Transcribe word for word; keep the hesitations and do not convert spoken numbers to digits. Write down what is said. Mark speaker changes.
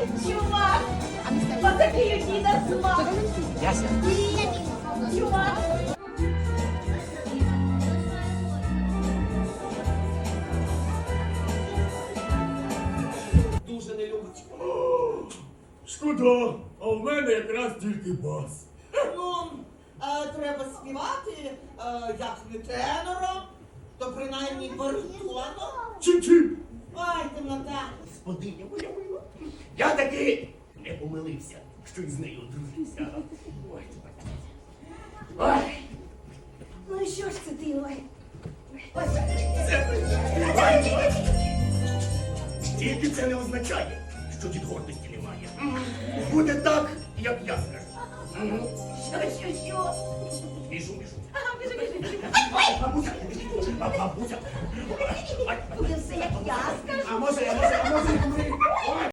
Speaker 1: Чувак! Отакий у діда смак!
Speaker 2: Яся.
Speaker 1: Чувак!
Speaker 3: Дуже не любить. Шкода, а в мене якраз тільки бас.
Speaker 4: Ну, е, треба співати, е, як не тенором, то принаймні баритоном.
Speaker 3: Чим-чим?
Speaker 4: Ой, темнота.
Speaker 3: Господиня моя мила. Я таки не помилився, що із нею одружився. Ой, ой.
Speaker 1: Ну і що ж це ти, ой?
Speaker 3: Це ой, ой. Тільки це не означає, що від гордості немає. Буде так, як я скажу.
Speaker 1: Що, що, що?
Speaker 3: Біжу, біжу.
Speaker 1: Ага, біжи, біжи, біжи.
Speaker 3: Бабуся, бабуся.
Speaker 1: Буде все, як я скажу.
Speaker 3: А може, а може, а може,